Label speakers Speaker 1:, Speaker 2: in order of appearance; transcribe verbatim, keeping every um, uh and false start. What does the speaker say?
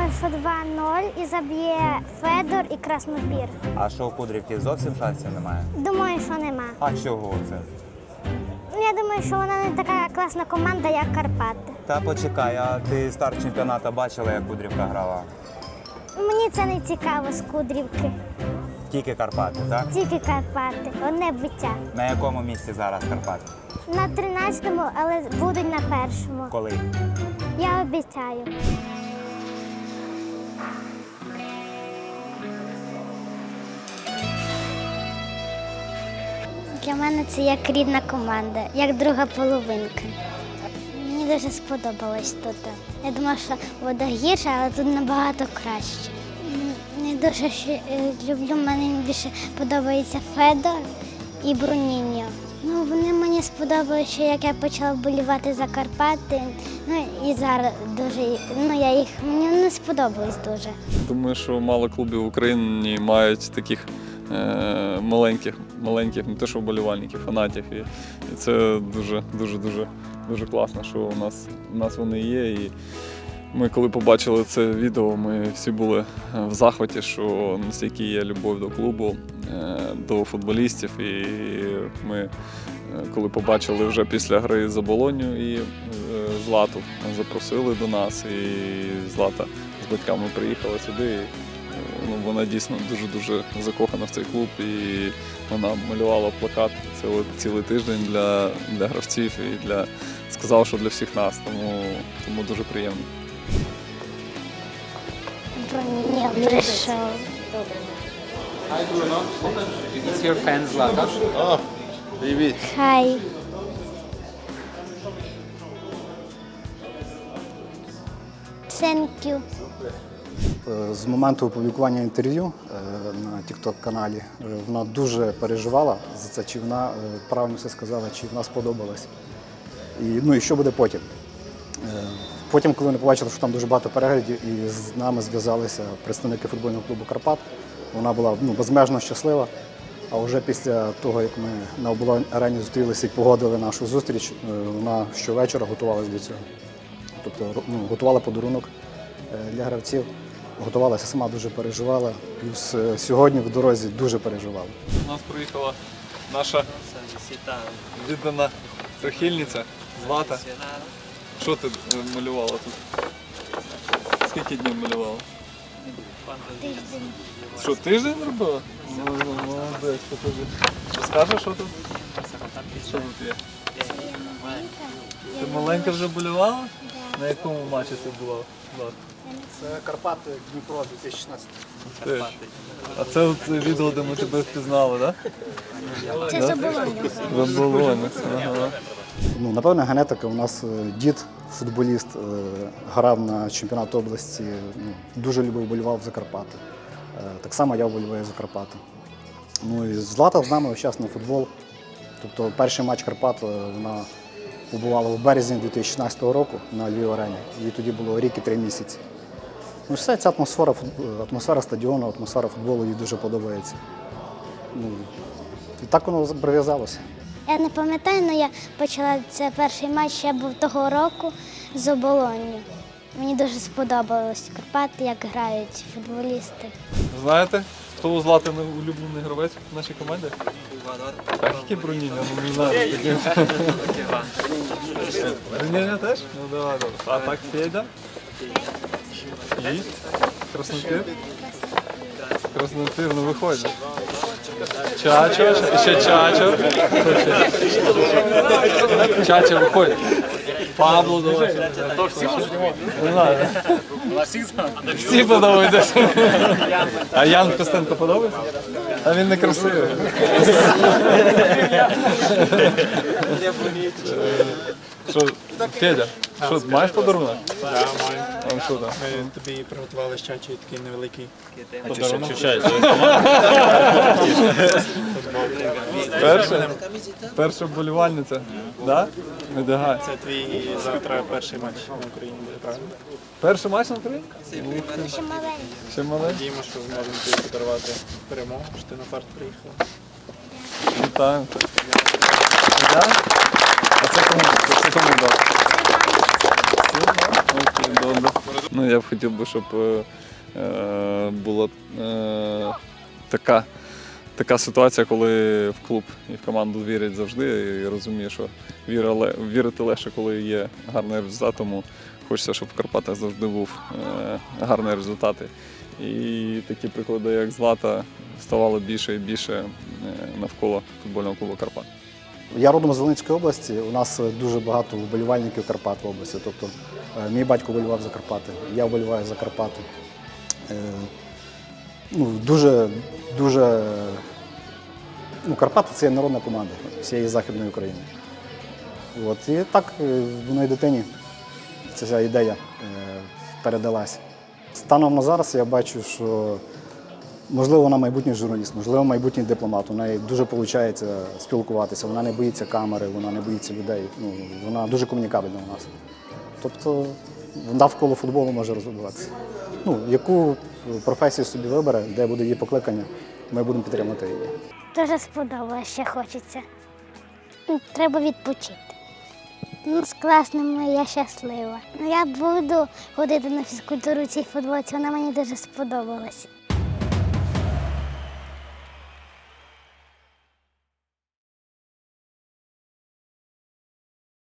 Speaker 1: думаю, що два-нуль і заб'є Федор і Краснопір.
Speaker 2: А що у Кудрівки зовсім шансів немає?
Speaker 1: Думаю, що нема.
Speaker 2: А чого це?
Speaker 1: Ну, я думаю, що вона не така класна команда, як Карпати.
Speaker 2: Та почекай, а ти старт чемпіонату бачила, як Кудрівка грала?
Speaker 1: Мені це не цікаво з Кудрівки.
Speaker 2: Тільки Карпати, так?
Speaker 1: Тільки Карпати. Одне биття.
Speaker 2: На якому місці зараз Карпати?
Speaker 1: На тринадцятому, але будуть на першому.
Speaker 2: Коли?
Speaker 1: Я обіцяю. Для мене це як рідна команда, як друга половинка. Мені дуже сподобалось тут. Я думала, що вода гірша, але тут набагато краще. М, Я дуже ще, е, люблю, мені більше подобається Федор і Бруніньо. Ну, вони мені сподобалися, ще як я почала вболівати за Карпати. Ну і зараз дуже, ну я їх, мені вони сподобались дуже.
Speaker 3: Думаю, що мало клубів в Україні мають таких е, маленьких, маленьких, не те що вболівальників, фанатів. І, і це дуже, дуже, дуже, дуже класно, що у нас, у нас вони є. І ми, коли побачили це відео, ми всі були в захваті, що настільки є любов до клубу, е, до футболістів. І ми, е, коли побачили вже після гри за Болонью і е, Злату, запросили до нас, і Злата з батьками приїхала сюди. І, ну, вона дійсно дуже-дуже закохана в цей клуб, і вона малювала плакат цілий, цілий тиждень для, для гравців і для, сказала, що для всіх нас, тому, тому дуже приємно.
Speaker 1: Бруніньо прийшов.
Speaker 4: Hi Bruno, it's your fan Zlatan.
Speaker 5: Oh, привіт.
Speaker 1: Хай. Thank you.
Speaker 6: З моменту опублікування інтерв'ю на тікток-каналі вона дуже переживала за це, чи вона правильно все сказала, чи вона сподобалась. І, ну і що буде потім. Потім, коли вони побачили, що там дуже багато переглядів, і з нами зв'язалися представники футбольного клубу «Карпат», вона була ну, безмежно щаслива. А вже після того, як ми на оболонь арені зустрілися і погодили нашу зустріч, вона щовечора готувалася до цього. Тобто ну, готувала подарунок для гравців, готувалася сама, дуже переживала. Плюс сьогодні в дорозі дуже переживала.
Speaker 3: У нас приїхала наша віддана прихильниця Злата. Що ти малювала тут? Скільки днів малювала?
Speaker 1: Тиждень.
Speaker 3: Що, тиждень робила? Молодець, покажи. Розкажеш, що тут? Що тут є? Ти маленька вже болювала? На якому матчі ти була?
Speaker 6: Це Карпати Дніпро дві тисячі шістнадцятий.
Speaker 3: А це от відео, де ми тебе впізнали, так?
Speaker 1: Це заболоння.
Speaker 3: Заболоння. Ага.
Speaker 6: Ну, напевно, генетика. У нас дід, футболіст, грав на чемпіонат області, ну, дуже любив, вболівав за Карпати. Так само я вболіваю за Карпати. Ну, і Злата з нами весь час на футбол. Тобто перший матч Карпат вона побувала в березні дві тисячі шістнадцятого року на Львів-арені. Їй тоді було рік і три місяці. Ну, все, ця атмосфера, атмосфера стадіону, атмосфера футболу їй дуже подобається. Ну, і так воно прив'язалося.
Speaker 1: Я не пам'ятаю, але я почала це перший матч ще був того року з Оболонню. Мені дуже сподобалось Карпати, як грають футболісти.
Speaker 3: Знаєте, хто у Злати улюблений гравець в нашій команді? Так, які Бруніньо? Ну, не знаю. Бруніньо теж? Ну, давай, добре. А так, Федя? І? Краснопір? Краснопір, ну виходь. Чачо, ще Чачо. Чачо, виходь. Пабло, давай. То всі можуть? Не знаю. Всі подобаються. А Ян Костенко подобається? А він не красивий. Що, Федя, що, маєш подарунок?
Speaker 7: Так, маю.
Speaker 3: А що там?
Speaker 7: Ми тобі приготували з чачі такий невеликий
Speaker 3: Подарунок? Перша? Перша вболівальниця? Так? Медагай.
Speaker 7: Це твій завтра перший матч на Україні буде, правильно?
Speaker 3: Перший матч на Україні?
Speaker 1: Ще маленький.
Speaker 3: Ще маленький?
Speaker 7: Надіємо, що зможемо тобі подарувати перемогу, що ти на фарт приїхала.
Speaker 3: Вітаємо. А це кому? Це кому дав? Окей, добре. Ну, я б хотів би, щоб е, е, була е, така, така ситуація, коли в клуб і в команду вірять завжди. І розумію, що віра, ле- вірити легше, коли є гарний результат, тому хочеться, щоб в Карпатах завжди був е, гарний результат. І такі приклади, як Злата, ставало більше і більше е, навколо футбольного клубу Карпат.
Speaker 6: Я родом з Волинської області. У нас дуже багато вболівальників Карпат в області. Тобто е, мій батько вболівав за Карпати, я вболіваю за Карпати. Е, ну, дуже, дуже, ну, Карпати це є народна команда всієї Західної України. От, і так е, в моїй дитині ця вся ідея е, передалась. Станом на зараз я бачу, що можливо, вона майбутній журналіст, можливо, майбутній дипломат. У неї дуже виходить спілкуватися, вона не боїться камери, вона не боїться людей. Ну, вона дуже комунікабельна у нас. Тобто навколо футболу може розвиватися. Ну, яку професію собі вибере, де буде її покликання, ми будемо підтримувати її.
Speaker 1: Дуже сподобалось, ще хочеться. Ну, треба відпочити. Ну, з класними я щаслива. Ну, я буду ходити на фізкультуру в цій футболці, вона мені дуже сподобалась.